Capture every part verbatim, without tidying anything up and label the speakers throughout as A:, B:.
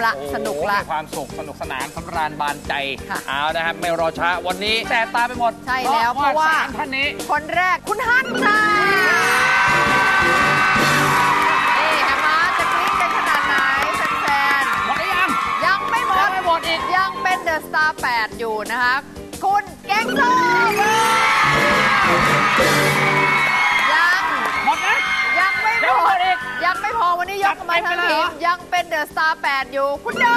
A: ละสนุกละ
B: มีความสุขสนุกสนานสำราญบานใจเอานะครับไม่รอช้าวันนี้แสบตาไปหมด
A: ใช่แล้วเพราะว่า
B: ท่านนี้
A: คนแรกคุณฮั่นค่ะนี่เห็นไหมจะกรี๊ดกันขนาดไหนแฟนๆ
B: หมดหรือยัง
A: ยังไม่หมด
B: ไม่หมดอีก
A: ยังเป็นเดอะสตาร์แปดอยู่นะคะคุณแกงส้มยัง
B: หมดนะ
A: ยังไม่หมดอีกยังไม่พอวันนี้ยกมาทั้งทีมยังเป็นเดอะสตาร์แปดอยู่คุณโด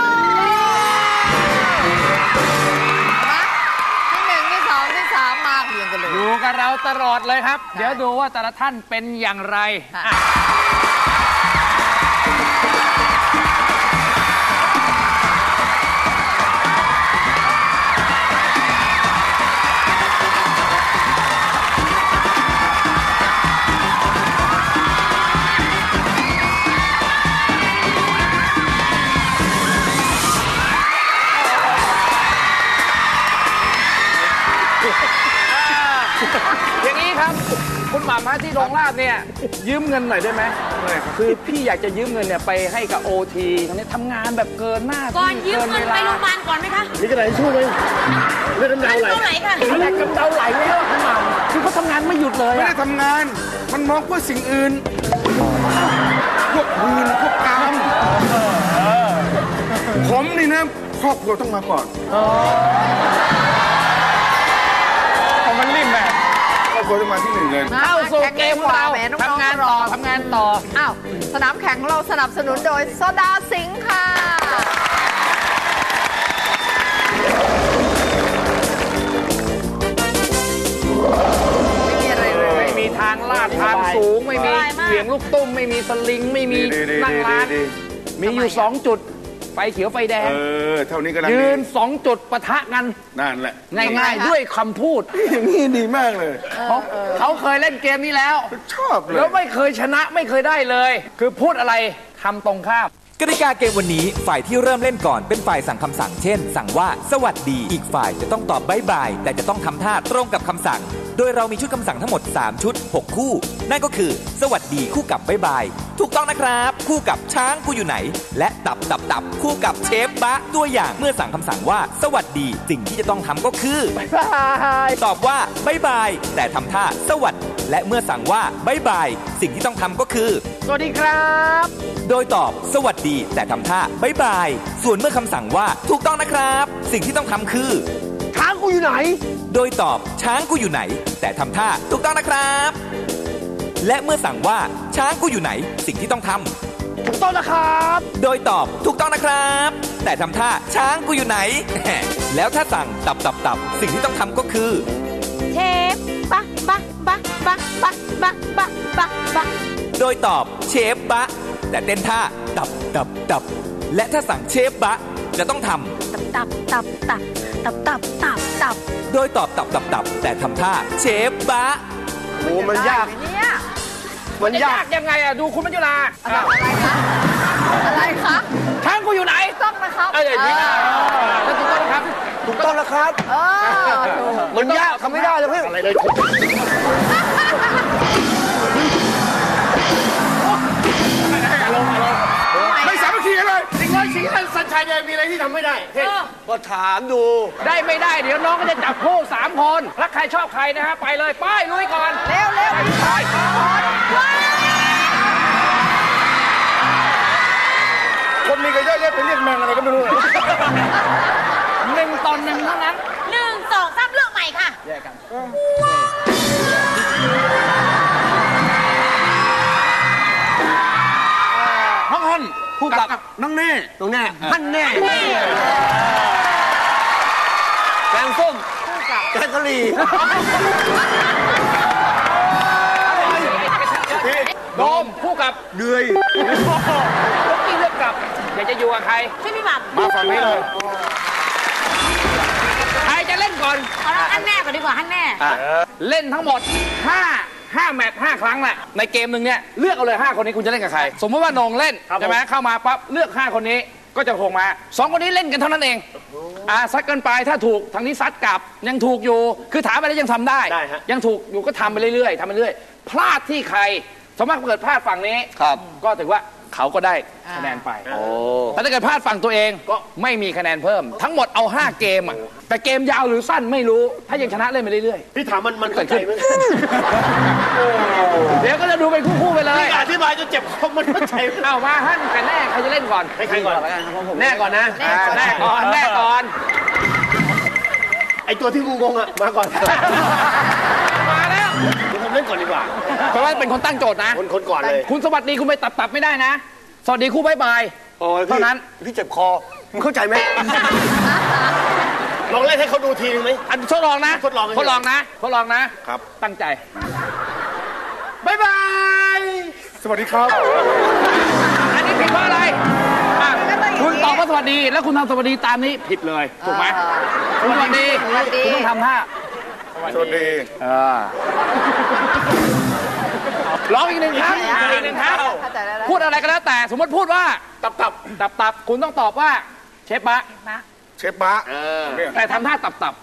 A: ที่หนึ่งที่สองที่สามมาเรียงกันเลย
B: อยู่กับเราตลอดเลยครับเดี๋ยวดูว่าแต่ละท่านเป็นอย่างไรอย่างนี้ครับคุณหม่ำฮะที่โรงลาบเนี่ยยืมเงินหน่อยได้ไหมคือพี่อยากจะยืมเงินเนี่ยไปให้กับโอทีเขาเนี่ยทำงานแบบเกินหน้า
C: ก่อนยืมเงินไปโรงพยาบาลก่อนไหมคะ
D: นี่กระไรช่วยเลยเลือดกำเดาไหล
C: ค่ะ
B: เลือดกำเดาไหลแล้วคุณหม่ำคือเขาทำงานไม่หยุดเลย
D: ไม่ได้ทำงานมันมองเพื่อสิ่งอื่นพวกหืนพวกกามผมนี่นะครอบครัวต้องมาก่อน
B: มันริมแบบ
D: ครอบครัวต้องมาที่หนึ่งเลย
B: เข้าสู่เกมของเราทำงานต่อทำงานต่อ
A: อ้าวสนามแข่งของเราสนับสนุนโดยโซดาสิงค์ค่ะไม่มีอะไรเลย
B: ไม่มีทางลาดทางสูงไม่มีเสียงลูกตุ้มไม่มีสลิงไม่มีนั่งร้านมีอยู่สองจุดไฟเขียวไฟแดง
D: เออเท่านี้ก็แล้ว
B: ยืนสองจุดปะทะกัน
D: นั่นแหละ
B: ง่ายๆด้วยคำพูด
D: อย่างนี้ดีมากเลย
B: เขาเขาเคยเล่นเกมนี้แล้ว
D: ชอบเลย
B: แล้วไม่เคยชนะไม่เคยได้เลยคือพูดอะไรทำตรงข้าม
E: กติกาเกมวันนี้ฝ่ายที่เริ่มเล่นก่อนเป็นฝ่ายสั่งคำสั่งเช่นสั่งว่าสวัสดีอีกฝ่ายจะต้องตอบบ๊ายบายแต่จะต้องทำท่าตรงกับคำสั่งโดยเรามีชุดคำสั่งทั้งหมดสามชุดหกคู่นั่นก็คือสวัสดีคู่กับบ๊ายบายถูกต้องนะครับคู่กับช้างกูอยู่ไหนและตับตับตับคู่กับเชฟบะตัวอย่างเมื่อสั่งคำสั่งว่าสวัสดีสิ่งที่จะต้องทำก็คือบ๊ายบายตอบว่าบ๊ายบายแต่ทำท่าสวัสดีและเมื่อสั่งว่าบ๊ายบายสิ่งที่ต้องทำก็คือ
B: สวัสดีครับ
E: โดยตอบสวัสดีแต่ทำท่าบ๊ายบายส่วนเมื่อคำสั่งว่าถูกต้องนะครับสิ่งที่ต้องทำคือ
B: ช้างกูอยู่ไหน
E: โดยตอบช้างกูอยู่ไหนแต่ทำท่าถูกต้องนะครับและเมื่อสั่งว่าช้างกูอยู่ไหนสิ่งที่ต้องทำ
B: ถูกต้องนะครับ
E: โดยตอบถูกต้องนะครับแต่ทำท่าช้างกูอยู่ไหน แล้วถ้าสั่งตับตับตับสิ่งที่ต้องทำก็คือ
C: เชฟบะบะบะบะบะบะบะบะบะ
E: โดยตอบเชฟบะแต่เต้นท่าตับตับตับและถ้าสั่งเชฟบะจะต้องทำ
C: ตับตับตับตับตับตับตับ
E: โดยตอบตับตับตับแต่ทำท่าเชฟบะ
B: โอ้มันยากเนี่ยมันยากยังไงอะดูคุณมัจจุรา
A: อะไรคะอะไรคะ
B: ช้างกูอยู่ไหน
A: ต้องนะครับ
B: เอออย่างนี้แล้วถูกต้องนะครับ
D: ถูกต้องนะครับ
A: เออ
B: มันยากทำไม่ได้เลยพี่อะไรเลย
D: ไม่สามัคคีกันเลย
B: จริงๆสิงห์สัญชัยมีอะไรที่ทำไม่ได้
D: ก็ถามดู
B: ได้ไม่ได้เดี๋ยวน้องก็จะจับคู่สามคนรักใครชอบใครนะฮะไปเลยไปลุยก่อน
A: เร็วเร็ว
B: ไป
D: คนมีกันเยอะแยะไปเรียกแมงอะไรก็ไม่รู้
B: หนึ่งต่อหนึ่งเท่านั้น
C: หนึ่งสองสามเลือกใหม่ค่ะ
B: แยกกันน้องฮั่นคู่กับน้องแน่น้องแน่ฮั่นแน่แกงส้มคู่กับแกงกะหรี่โดมคู่กับ
D: เดือย
B: ลูกกี้เลือกกับอยากจะอยู่กับใคร
C: ช่วยพี่หม่ำ
D: มาฝั่งนี้เลย
B: ใครจะเล่นก่อน
C: เอาฮั่นแน่ก่อนดีกว่าฮั่นแน่
B: เล่นทั้งหมดห้าห้าแมตช์ห้าครั้งแหละในเกมหนึ่งเนี่ยเลือกเอาเลยห้าคนนี้คุณจะเล่นกับใครสมมติว่าโหน่งเล่นใช่ไหมเข้ามาปั๊บเลือกห้าคนนี้ก็จะส่งมาสองคนนี้เล่นกันเท่านั้นเองอ่าซัดกันไปถ้าถูกทางนี้ซัดกลับยังถูกอยู่คือถามไปแล้วยังทำได้ยังถูกอยู่ก็ทำไปเรื่อยๆทำไปเรื่อยพลาดที่ใครสมมติเกิดพลาดฝั่งนี้ก็ถือว่าเขาก็ได้คะแนนไปแต่ถ้าเกิดพลาดฝั่งตัวเองก็ไม่มีคะแนนเพิ่ม ทั้งหมดเอาห้าเกมอ่ะแต่เกมยาวหรือสั้นไม่รู้ถ้ายังชนะเล่นไปเรื่อย
F: พี่ถามมันมันเข้าใจไหม
B: ๆเดี๋ยวก็จะดูเป็นคู่ๆไปเลย
F: พี่อธิบายจนเจ็บคอมันเข้าใจไหม
B: เอามาฮั่นกันแน่ใครจะเล่นก่อน
F: ให้ใครก่อน
B: แน่ก่อนนะอ่าแน่ก่อนแน่ก่อน
F: ไอตัวที่งูงงอ่ะมาก่อน
B: มาแล้ว
F: เดี๋ยวผมเล่นก่อนดีกว่า
B: เพราะว่าเป็นคนตั้งโจทย์นะ
F: คนคนก่อนเลย
B: คุณสวัสดีคุณไปตับตับไม่ได้นะ สวัสดีคู่บายบาย
F: โอ้ย
B: เท่านั้น
F: พี่เจ็บคอมึงเข้าใจไหมลองเล่นให้เขาดูทีนึงไหม
B: อันทดลองนะ
F: ทดลอง
B: ทดลองนะทดลองนะครับ ตั้งใจบายบาย
D: สวัสดีครับ
B: อันนี้ผิดเพราะอะไรอ่ะคุณตอบว่าสวัสดีแล้วคุณทำสวัสดีตามนี้ผิดเลยถูกไหมสวัสดีคุณต้องทำท่า
D: สวัสดี
B: เออร้องอีกหนึ่งครั้งอีกหนึ่งครั้ง
A: เข้าใจแล้วนะ
B: พูดอะไรก็แล้วแต่สมมติพูดว่าตับตับตับตับคุณต้องตอบว่าเชฟบะ
D: เชฟบะ
B: แต่ทำท่าตับตับ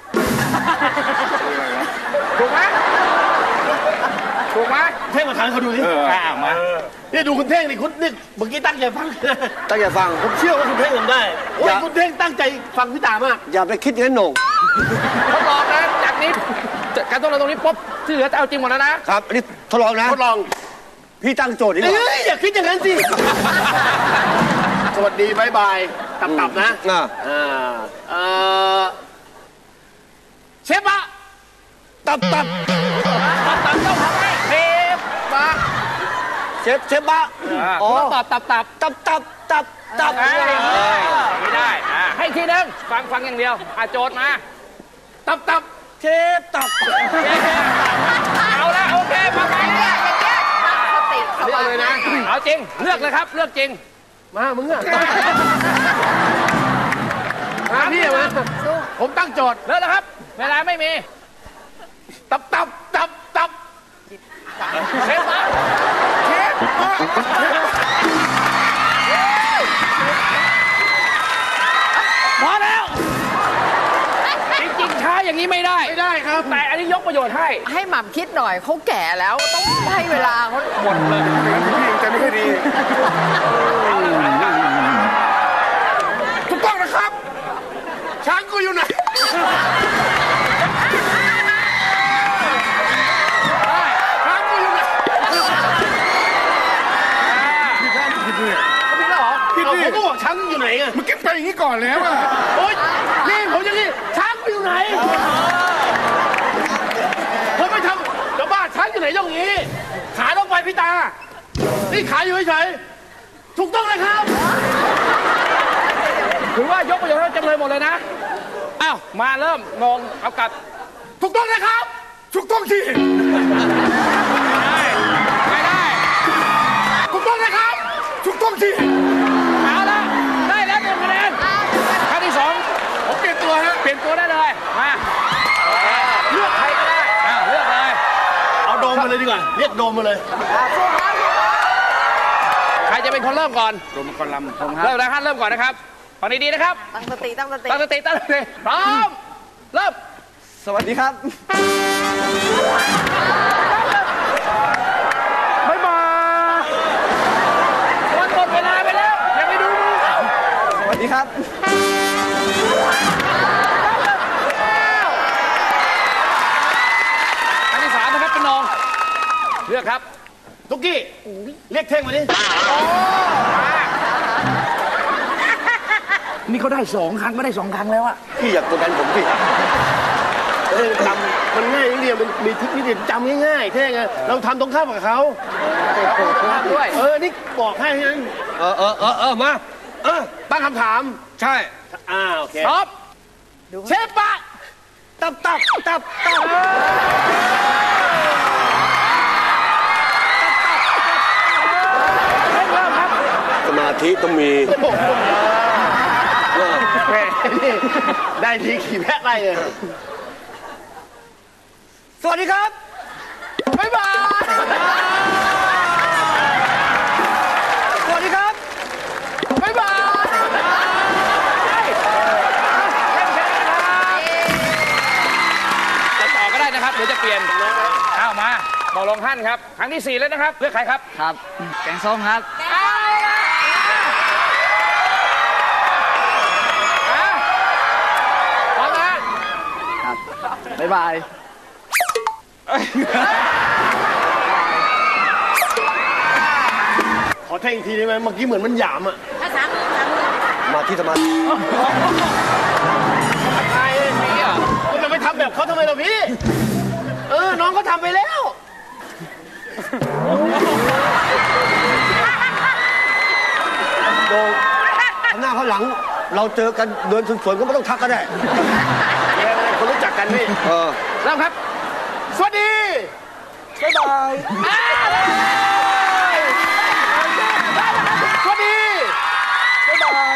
B: ถูกไหมถูกไหม
F: เท่งมาทางเขาดูดิ
B: อ่ามา
F: นี่ดูคุณเท่งนี่คุณนี่เมื่อกี้ตั้งใจฟังตั้งใจฟังผมเชื่อว่าคุณเท่งทำได้โอ้ยคุณเท่งตั้งใจฟังพี่ตามากอย่าไปคิดงั้นหน่ง
B: ทดลองนะจากนี้การทดลองตรงนี้ปุ๊บที่เหลือจะเอาจริงหมดแล้วนะครับ
F: อันนี้ทดลองนะทดลองพี่ตั้งโจทย์ดีกว่าเอ้ยอย่าคิดอย่างนั้นสิสวัสดีบายบายตับตับนะอ่าอ่า
B: เชฟบะ
F: ตับตับ
B: ตับตับต้องทำให้เชฟบะ
F: เชฟเชฟบะ
B: อ๋อตอบตับตับ
F: ตับตับตับตับ
B: ไม่ได้อ่าให้ทีนึงฟังฟังอย่างเดียวอ่ะโจทย์มาตับตับ
F: เชฟตับ
B: เอาละโอเคมาไป
A: อย่างเงี้ยอย่างเงี้ยตั้งสติส
F: เลือก
A: ว่าง
F: เลยนะ
B: เอาจริงเลือกเลยครับเลือกจริง
F: มามึงอ่ะมาพี่มา
B: ผมตั้งโจทย์เลือกแล้วครับเวลาไม่มีตับตับตับตับเชฟมาเชฟพอแล้วจริงๆช้าอย่างนี้ไม่ได้ไม่ได้ครับแต่อันนี้ยกประโยชน์ให้
A: ให้หม่ำคิดหน่อยเขาแก่แล้วต้องให้เวลาเขา
B: หมดเลย
D: ผู้หญิงจะไม่ค่อยดี ถูกต้องนะครับ ช้างกูอยู่ไหน ช้างกูอยู่ไหนพี่แค่ผิดเนี่ย
B: ผิดแล้วเหรอ
D: ผิด
F: เอา
D: ดิ
F: ผมก็บอกช้างอยู่ไหนอ่ะ
D: เมื่อกี้ไปอย่างนี้ก่อนแล้วอะ
F: โอ๊ยนี่ผมจะนี่ช้างอยู่ไหนผมไม่ทำจะบ้าช้างอยู่ไหนอย่างนี้ ขาลงไปพี่ตา นี่ขาอยู่เฉยๆถูกต้องเลยครับ
B: ถือว่ายกประโยชน์ให้จำเลยหมดเลยนะอ้าวมาเริ่มงงเอากลับ
D: ถูกต้องนะครับ ถูกต้องที่
B: ไม่ได้
D: ถูกต้องนะครับ ถูกต้องที่
B: เอาละได้แล้วหนึ่งคะแนนครั้งที่สอง
D: ผมเปลี่ยนตัวฮะ
B: เปลี่ยนตัวได้เลยมาเลือกใครก็ได้อ้าวเลือกเลย
F: เอาโดมมาเลยดีกว่า เรียกโดมมาเลย
B: ใครจะเป็นคนเริ่มก่อน
D: รวมคนลำผมค
B: เริ่
D: รับ
B: มแล้วท่านเริ่มก่อนนะครับฟังดีๆนะครับ
A: ตั้งสติตั้งสติ
B: ตั้งสติตั้งสติพร้อมเริ่ม
F: สวัสดีครับ
B: บ๊ายบายวันหมดเวลาไปแล้วอย่าไปดูมือเขา
F: สวัสดีครับ
B: อันที่สามนะครับเป็นน้องเลือกครับ
F: ตุ๊กกี้ เรียกเท่งมาดิ
B: นี่เขาได้สองครั้งก็ได้สองครั้งแล้วอะ
F: พี่อยากกดดันผมสิเออจำมันง่ายนิดเดียวมันมีทริคนิดเดียวจำง่ายๆเท่ไงเราทำตรงข้ามกับเขา
B: ด้วย
F: เออ นี่บอกให้นั้นเออเออเออเออมา เออ ตั้งคำถาม
D: ใช่
F: อ่า โอเค
B: ท็อปเชฟปะ
F: ตับตับตับตับ สมาธิต้องมีแม่นี่ได้ทีขี่แพะไล่เลย สวัสดีครับ
B: บ๊ายบาย
F: สวัสดีครับ
B: บ๊ายบายจะต่อก็ได้นะครับหรือจะเปลี่ยนเอามาบอกลงท่านครับครั้งที่สี่แล้วนะครับเลือกใครครับ
G: ครับ แกงส้มครับ
B: อ้าว
A: บ๊ายบาย
F: ขอเท่งอีกทีได้ไหมเมื่อกี้เหมือนมันหยามอ่ะ
C: ถ้าสามมือสามมือ
F: มาที่สมาธิใช่พี่อ่ะคุณจะไปทำแบบเขาทำไมล่ะพี่ เออ น้องเขาทำไปแล้วโดงหน้าเขาหลัง เราเจอกันเดินสวนๆก็ไม่ต้องทักก็ได้คนรู้จักกันพี่ เออ
B: เริ่มครับ
F: สวัสดีบ๊ายบายสวัสดีบ๊ายบาย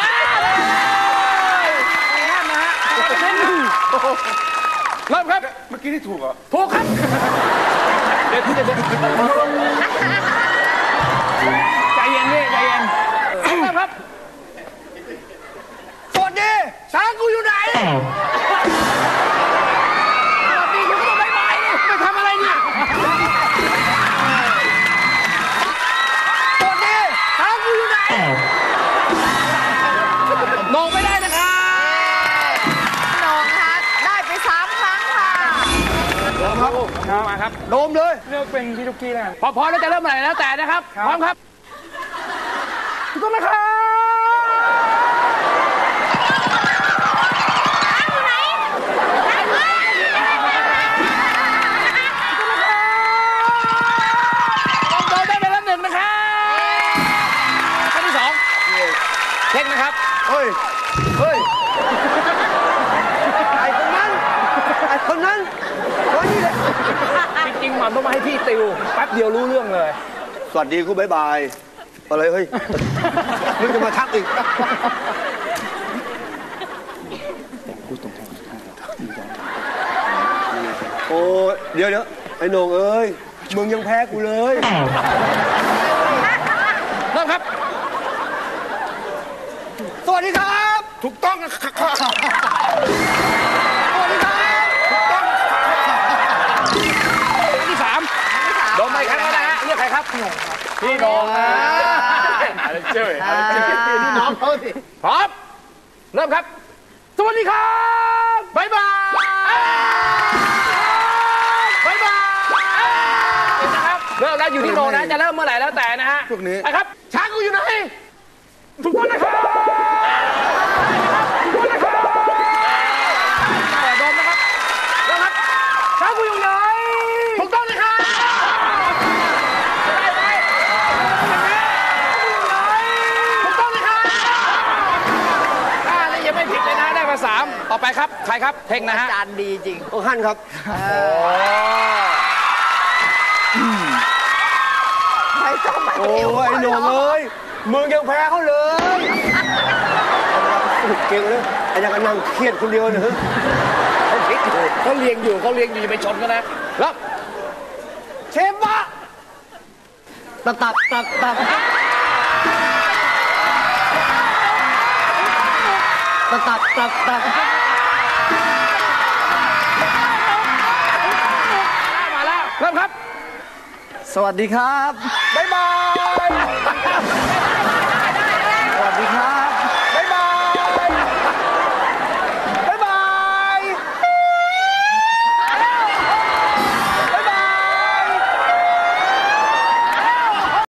B: เริ่มครับ
D: เมื่อกี้ที่ถูกเหรอ
B: ถูกครับ เดี๋ยวเดี๋ยวเดี๋ยวใจเย็นพี่ใจเย็นเริ่มครับ
F: สวัสดีช้างกูอยู่ไหนสวัสดีคุณก็ต้องบ๊ายบายดิไปทำอะไรเนี่ยสวัสดีช้างกูอยู่ไหน
B: โหน่งไม่ได้นะครับ
A: โหน่งคะได้ไปสามครั้งค่ะ
B: ครับมาครับ
F: โดมเลย
B: เลือกเป็นพี่ทุกกี้แล้วพอพร้อมแล้วจะเริ่มอะไรแล้วแต่นะครับพร้อมครับถูกต้องนะครับโดนได้ไปแล้วหนึ่งนะครับข้อที่สองเช็คนะครับ
F: เฮ้ย เฮ้ย ไอ้คนนั้น ไอ้คนนั้นคนนี้เลย
B: จริงๆมันต้องมาให้พี่ติวแป๊บเดียวรู้เรื่องเลย
F: สวัสดีกูบ๊ายบายอะไรเฮ้ย มึงจะมาทักอีก โอ้เดี๋ยวเดี๋ยวไอ้โหน่งเอ้ย มึงยังแพ้กูเลย
B: เริ่มครับ
F: สวัสดีครับ
D: ถูกต้องนะครับ
F: สวัสดีครับ
B: ข้อที่สามโดนไปครั้งแล้วนะฮะเรียกใครครับพี่โดงนะอะไรเจ้ยอะไรเจ้ย
F: นี่น้องเขาสิ
B: พร้อมเริ่มครับ สวัสดีครับบ๊ายบายบ๊ายบายนะครับเริ่มแล้วอยู่ที่โดงนะจะเริ่มเมื่อไหร่แล้วแต่นะฮะ
D: พวกนี้
B: ไปครับช้างกูอยู่ไหนถูกต้องนะครับถูกต้องนะครับโดนนะครับเริ่มครับช้างกูอยู่ไหนถูกต้องนะครับได้ไหมถูกต้องนะครับอ่านี่ยังไม่ผิดเลยนะได้มาสามต่อไปครับใครครับเท่งนะฮะ
A: จานดีจริง
F: โอ้ฮั่นครับ
A: ไม่ต้องมา
F: โอ้
A: ติวย
F: ไอ้โหน่งเอ้ย มึงยังแพ้เขาเลยเก่งเลยไอ้ยังกันนั่งเครียดคนเดียวเนอะ
B: เขาคิดอยู่เขาเลี้ยงอยู่เขาเลี้ยงอยู่อย่าไปชนกันนะแล้ว
F: เชฟวะตับตับตับตับตับตับตับตับ
B: มาแล้วเริ่มครับ
A: สวัสดีครับ
F: บ๊ายบาย